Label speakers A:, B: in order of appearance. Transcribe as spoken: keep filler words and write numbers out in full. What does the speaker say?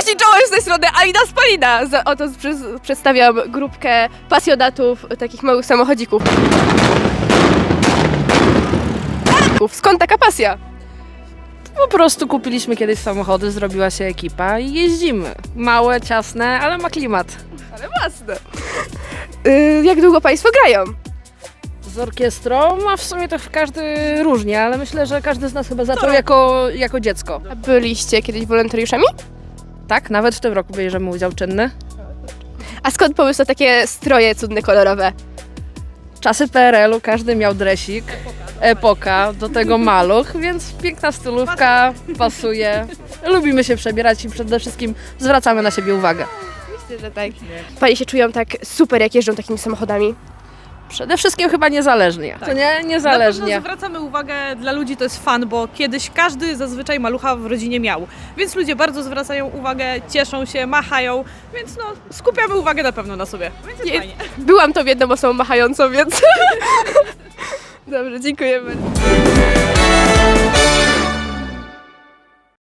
A: Cześć, czołem z tej strony Alina Spalina. Za- Oto przy- przedstawiam grupkę pasjonatów takich małych samochodzików. Skąd taka pasja?
B: Po prostu kupiliśmy kiedyś samochody, zrobiła się ekipa i jeździmy. Małe, ciasne, ale ma klimat.
A: Ale własne. Yy, jak długo Państwo grają?
B: Z orkiestrą, a w sumie to każdy różnie, ale myślę, że każdy z nas chyba zaczął jako, jako dziecko.
A: A byliście kiedyś wolontariuszami?
B: Tak, nawet w tym roku bierzemy udział czynny.
A: A skąd pomysł na takie stroje cudne, kolorowe?
B: Czasy P R L u, każdy miał dresik, epoka, do tego maluch, więc piękna stylówka, pasuje. Lubimy się przebierać i przede wszystkim zwracamy na siebie uwagę.
A: Myślę, że tak. Panie się czują tak super, jak jeżdżą takimi samochodami?
B: Przede wszystkim chyba niezależnie. To nie?
C: Na
B: Niezależnie.
C: pewno zwracamy uwagę, dla ludzi to jest fan, bo kiedyś każdy zazwyczaj malucha w rodzinie miał. Więc ludzie bardzo zwracają uwagę, cieszą się, machają, więc no skupiamy uwagę na pewno na sobie. Więc jest
A: Nie-
C: fajnie.
A: Byłam tą jedną osobą machającą, więc... Dobrze, dziękuję bardzo.